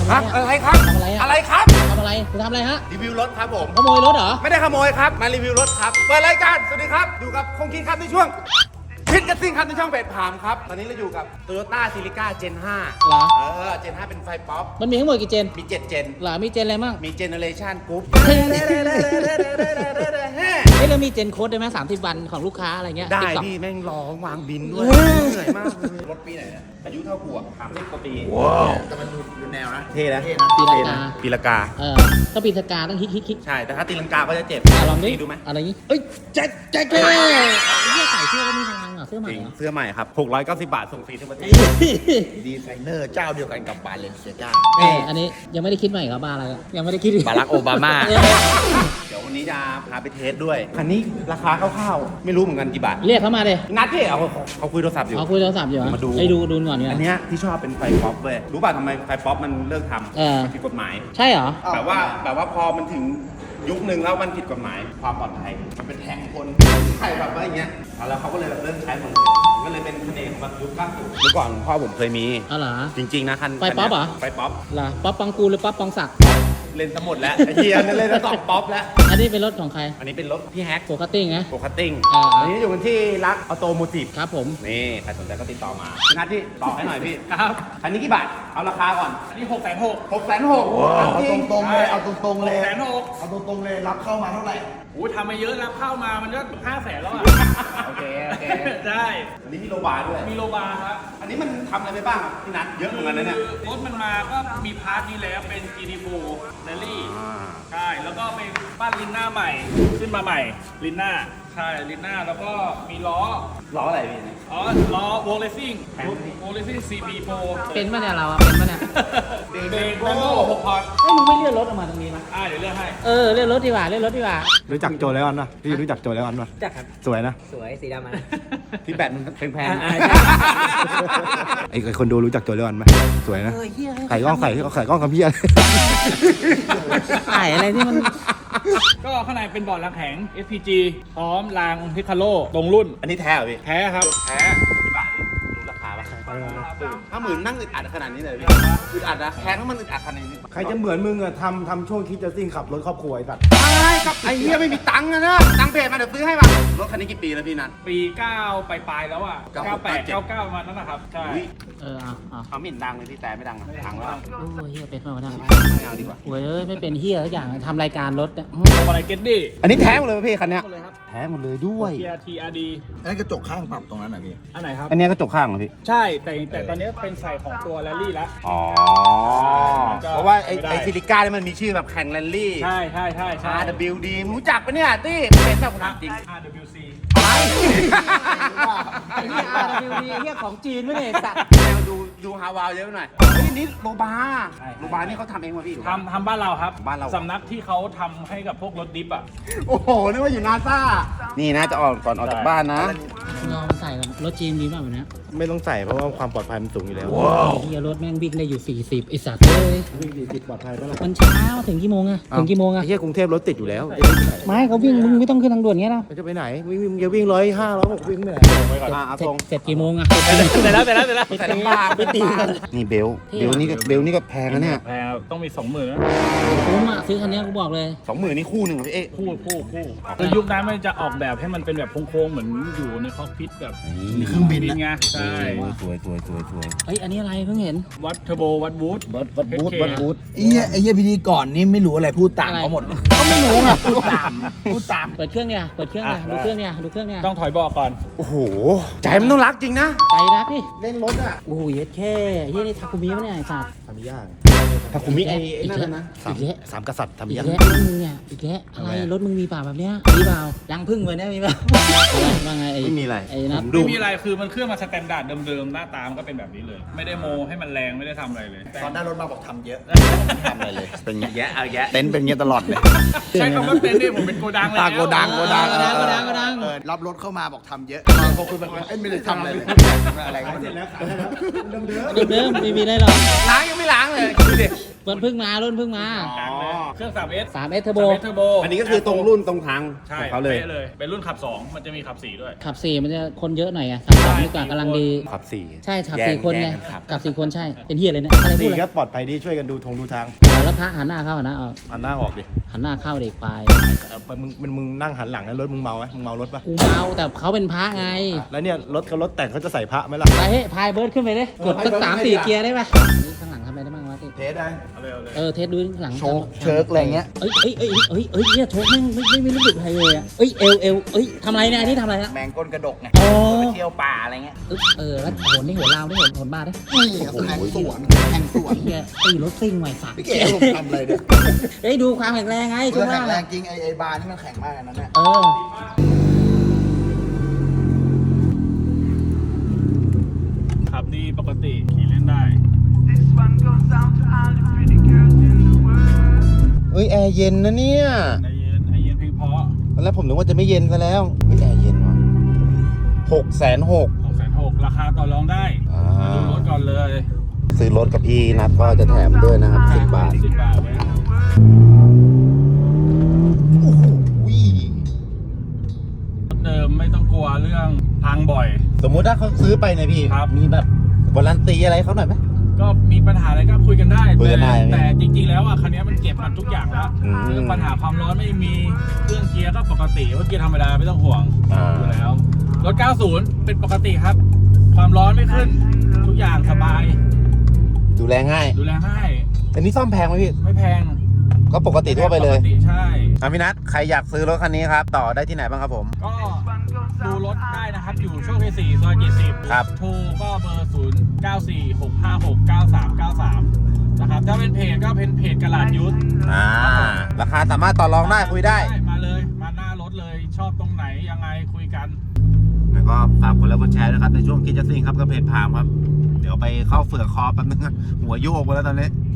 อะไรครับทำอะไรอะอะไรครับทำอะไรคุณทำอะไรฮะรีวิวรถครับผมขโมยรถเหรอไม่ได้ขโมยครับ มารีวิวรถครับ เปิดรายการ สวัสดีครับ อยู่กับคงคิงครับในช่วงพิทกัสซิ่งครับในช่องเบดพามครับ ตอนนี้เราอยู่กับ Toyota Celica Gen 5 เหรอ Gen 5 เป็นไฟป๊อปมันมีทั้งหมดกี่เจนมี 7 Gen เหรอมีเจนอะไรมั่งมี Generation Group เฮ้ยเรามีเจนโค้ดได้ไหม30 วันของลูกค้าอะไรเงี้ยได้ TikTok พี่แม่งร้องวางบินด้วยเออเหนื่อยมากเลยรถปีไหนเนี่ยอายุเท่ากูอ่ะ30 กว่าปีแต่มันดูแนวนะเท่นะปีละกาปีละกาถ้าปีละกาต้องฮิตใช่ แต่ถ้าตีลังกาก็จะเจ็บลองดิดูไหมอะไรนี้เอ้ยแจ็คเสื้อใส่เสื้อก็มีพลังเหรอเสื้อใหม่จริงเหรอเสื้อใหม่ครับ690 บาทส่งฟรีทั่วประเทศดีไซเนอร์เจ้าเดียวกันกับบาเลนเซียก้าอันนี้ยังไม่ได้คิดใหม่ครับบ้าอะไรอะยังไม่ได้คิดบารักโอบามาเดี๋ยววันนี้จะพาไปเทสด้วย คันนี้ราคาคร่าวๆไม่รู้เหมือนกันกี่บาทเรียกเขามาเลยนัดพี่เขาคุยโทรศัพท์อยู่เอาคุยโทรศัพท์อยู่เหรอมาดูไอ้ดูก่อนเนี่ยอันเนี้ยที่ชอบเป็นไฟป๊อปเว้ยรู้ป่ะทำไมไฟป๊อปมันเลิกทำเออมันผิดกฎหมายใช่เหรอแบบว่าพอมันถึงยุคหนึ่งแล้วมันผิดกฎหมายความปลอดภัยมันเป็นแท็กคนใช่แบบว่าอย่างเงี้ยแล้วเขาก็เลยแบบเลิกใช้หมดเลยก็เลยเป็นคะแนนของแบบยุค90เมื่อก่อนพ่อผมเคยมีอ๋อเหรอจริงๆนะคันไฟป๊อปเหรอไฟป๊อปเหรอป๊อปปองกูลหรือป๊อปปองศักดิ์เล่นทั้งหมดแล้วไอ้เฮียนั่นเล่นทั้งสองป๊อปแล้วอันนี้เป็นรถของใครอันนี้เป็นรถพี่แฮกโฟกัสติ้งนะโปรคัตติ้งอ่าอันนี้อยู่กันที่รักออโตโมทีฟครับผมนี่ใครสนใจก็ติดต่อมาพี่นัทพี่ต่อให้หน่อยพี่ ครับ อันนี้กี่บาท เอาราคาก่อนอันนี้660,000 660,000 เอาตรงๆเลยเอาตรงๆเลย 660,000 เอาตรงๆเลยรับเข้ามาเท่าไหร่โอ้ยทำมาเยอะแล้วเข้ามามันก็500,000แล้วอ่ะโอเคได้อันนี้มีโลบาร์ด้วยมีโลบาร์ครับอันนี้มันทำอะไรไปบ้างครับพี่นัทเยอะเหมือนกันนะเนี่ยรถมันมาก็มีพาร์ทนี้แล้วเป็น GT4 Rally ใช่ แล้วก็ไปปั้นลินหน้าใหม่ ขึ้นมาใหม่ลินหน้า ใช่ลินหน้าแล้วก็มีล้อล้ออะไรพี่เนี่ยอ๋อ ล้อวงเลสซิ่งวงเลสซิ่ง CP Pro เป็นปะเนี่ยเราอะเป็นปะเนี่ยเบรกแบนโน่6พอร์ตเอ้ยมึงไม่เลื่อนรถออกมาตรงนี้มั้ยเดี๋ยวเลือกให้เลื่อนรถดีกว่าเลื่อนรถดีกว่ารู้จักโจไลออนป่ะพี่รู้จักโจไลออนป่ะจักครับสวยนะสวยสีดำนะที่แบตมันแพงไอ้คนดูรู้จักโจไลออนไหมสวยนะเฮียไข่กล้องไข่กล้องกับพี่อะไรไข่อะไรที่มันก็ข้างในเป็นบอร์ดรางแข็ง SPG พร้อมรางพิคาโลตรงรุ่นอันนี้แท้เหรอพี่แท้ครับแท้กี่บาทพี่รู้ราคาป่ะ50,000นั่งอึดอัดขนาดนี้เลยพี่อึดอัดนะแพงแล้วมันอึดอัดขนาดนี้ใครจะเหมือนมึงอะทำช่วงคิดจะซิ่งขับรถครอบครัวไอ้สัตว์ใช่ครับไอ้เหี้ยไม่มีตังค์อะนะตังค์เพจมาเดี๋ยวซื้อให้ป่ะรถคันนี้กี่ปีแล้วพี่นัทปี 9 ปลายๆแล้วอ่ะ 98 99ประมาณนั้นนะครับ ใช่อุ๊ยเอาเขาไม่เห็นดังเลยพี่แต่ไม่ดังอะดังแล้วโอ้ยเฮียเป็นมาทั้งไม่เอาดีกว่าโอ้ยไม่เป็นเฮียทุกอย่างทำรายการรถเนี่ยทำอะไรเก็ตดี้อันนี้แท้หมดเลยป่ะพี่คันเนี้ยหมดเลยครับแพ้หมดเลยด้วย TRD อันนั้นกระจกข้างปรับตรงนั้นน่ะพี่อันไหนครับอันนี้ก็จกข้างเหรอพี่ใช่ แต่ตอนนี้เป็นใส่ของตัวแรลลี่แล้วอ๋อก็เพราะว่าไอ้ไม่ได้ไอ้ซิลิก้าเนี่ยมันมีชื่อแบบแข่งแรลลี่ใช่ใช่ใช่ใช่ RWD มึงรู้จักปะเนี่ยตี้เป็นแบบคนจริง RWC ไปไอ้เฮีย RWD ไอ้เฮียของจีนไม่เนี่ยสัตว์ดูฮาวาวเยอะไปหน่อยเฮ้ยนี่โลบาโลบานี่เขาทำเองมาพี่ทำบ้านเราครับบ้านเราสำนักที่เขาทำให้กับพวกรถดิฟอ่ะโอ้โหนึกว่าอยู่นาซานี่นะจะออกก่อนออกจากบ้านนะลองใส่กับรถจีนดีมากแบบนี้ไม่ต้องใส่เพราะว่าความปลอดภัยมันสูงอยู่แล้วเฮียรถแม่งวิ่งได้อยู่40ไอสัตว์เลยวิ่ง40ปลอดภัยปะล่ะมันเช้าถึงกี่โมงอะถึงกี่โมงอะไอ้เหี้ยกรุงเทพรถติดอยู่แล้วไม่เขาวิ่งมึงไม่ต้องขึ้นทางด่วนเงี้ยนะมันจะไปไหนวิ่งมึงจะวิ่ง105 106วิ่งไปไหนเอาเสร็ตจรงเสร็จกี่โมงอะเสร็จแล้วใส่ลำบากไปตีกันนี่เบลนี่ก็แพงนะเนี่ยแพงต้องมี 20,000นะคุ้มอะซื้อคันนี้กูบอกเลย 20,000นี่คู่หนึ่งเหรอพี่เอ๊ะคู่คือยุคนั้นมันจะออกแบบให้มันเป็นแบบโค้งๆเหมือนอยู่ในคอกพิทแบบเครื่องบินไงใช่สวยเอ้ยอันนี้อะไรเพิ่งเห็นวัดเทอร์โบวัดบูทวัดบูธไอ้เหี้ยพิธีก่อนนี่ไม่รู้อะไรพูดตามเขาหมดก็ไม่รู้อ่ะพูดตามเปิดเครื่องเนี่ยดูเครื่องเนี่ยต้องถอยเบอกก่อนโอ้โหใจมันต้องรักจริงนะใจรักดิเล่นรถอ่ะโอ้โหเย็ดแค่เฮียนี่ทาคุมิปะเนี่ยไอ้สัตว์ทำยากถ้าคุณมีไอ้นั่นนะอีกแล้วสามกษัตริย์อีทำกยากแล้วรถมึงเนี่ยอีกแล้วอะไรรถมึงมีเปล่าแบบเนี้ยมีเปล่ายังพึ่งเลยเนี่ยมีเปล่าว่าไงไอ้ไม่มีอะไรไอ้นัทไม่มีอะไรคือมันเครื่องมาสแตนดาร์ดเดิมๆหน้าตามนก็เป็นแบบนี้เลย ไม่ได้โมให้มันแรงไม่ได้ทำอะไรเลยตอนได้รถมาบอกทำเยอะทำอะไรเลยเป็นอย่างเงี้ยเอาแยะเต็นท์เป็นเงี้ยตลอดเลยใช้คำว่าเต็นท์นี่ผมเป็นโกดังเลยโกดังก็ดังรับรถเข้ามาบอกทำเยอะพอคุยแบบไม่ได้ทำอะไรเลยอะไรก็ไม่รู้เดิมไม่มีได้หรอกล้างยังไม่ล้างเลยดูดิรถเพิ่งมาอ๋อเครื่อง 3S 3S Turbo เทอร์โบอันนี้ก็คือตรงรุ่นตรงทางใช่ของเขาเลยป๊ะเลย เป็นรุ่นขับ 2 มันจะมีขับ 4 ด้วยขับ 4 มันจะคนเยอะหน่อยอะขับ 2 ดีกว่ากำลังดีขับสี่ใช่ขับแย่ง 4 คนไงแย่งกันขับขับ 4 คนใช่ เป็นเฮียเลยนะอะไรพูดสี่อะไรก็ปลอดภัยดีช่วยกันดูทางแล้วพระหันหน้าเข้าหันหน้าออกหันหน้าออกดิหันหน้าเข้าเด็กควายมึงนั่งหันหลังนะรถมึงเมาไหมมึงเมารถปะกูเมาแต่เขาเป็นพระไงแล้วเนี่ยรถแต่งเขาจะใส่พระไหมล่ะไปเฮ้ยพายเบิร์ดขึ้นไปเลยกดสัก3-4 เกียร์ได้ปะนี่ข้างหลังทำอะไรได้บ้างวะที่เทสได้เอาเลยเอาเลยเทสดูข้างหลังโชคเชิร์กอะไรเงี้ยเอ้ยเนี่ยโชคแม่งไม่รู้สึกอะไรเลยอ่ะเอ้ยเอวทำอะไรเนี่ยอันนี้ทำอะไรฮะแมงก้นกระดกไงอ๋อไปเที่ยวป่าอะไรเงี้ยแล้วโหนนี่โหนลาวนี่โหนบ้าได้นี่ครับแทงสวนเฮียตีรถซิ่งใหม่สักพี่เก๋ผมทำอะไรเนี่ยเฮ้ยดูความแข็งแรงไงช่วงแข็ล่าง งแรอะงจริงไอ้บาร์นี่มันแข็งมากนะเนี่ยขับดีปกติขี่เล่นได้เอ้ยแอร์เย็นนะเนี่ยไอเย็นเพียงพอตอนแรกผมนึกว่าจะไม่เย็นซะแล้วเฮ้ยแอร์เย็นว่ะ660,000 660,000ราคาต่อรองได้อ่ามาดูรถก่อนเลยซื้อรถกับพี่นัดก็จะแถมด้วยนะครับ10 บาท 10 บาทไว้ รถเดิมไม่ต้องกลัวเรื่องพังบ่อยสมมุติถ้าเขาซื้อไปเนี่ยพี่ครับมีแบบวารันตีอะไรเขาหน่อยไหมก็มีปัญหาอะไรก็คุยกันได้คุยกันได้แต่จริงๆแล้วอ่ะคันนี้มันเก็บมันทุกอย่างแล้วอืมเรื่องปัญหาความร้อนไม่มีเครื่องเกียร์ก็ปกติว่าเกียร์ธรรมดาไม่ต้องห่วงอ่าอยู่แล้วรถ 90 เป็นปกติครับ ความร้อนไม่ขึ้น ทุกอย่างสบายดูแลง่ายดูแลง่ายอันนี้ซ่อมแพงไหมพี่ไม่แพงก็ปกติทั่วไปเลยปกติใช่พี่นัทใครอยากซื้อรถคันนี้ครับ ต่อได้ที่ไหนบ้างครับผมก็ดูรถได้นะครับ อยู่โชคชัย4ซอย70 ครับโทรก็เบอร์ 0946569393 นะครับ ถ้าเป็นเพจก็เป็นเพจกระลาดยุทธราคาสามารถต่อรองได้คุยได้มาเลย มาหน้ารถเลย ชอบตรงไหนยังไงคุยกันแล้วก็ฝากกดไลค์กดแชร์นะครับในช่วงคิดจะซิ่งครับกับเพจพามครับ เดี๋ยวไปเข้าเฟือกคอแป๊บนึงนะหัวโยกไปแล้วตอนนี้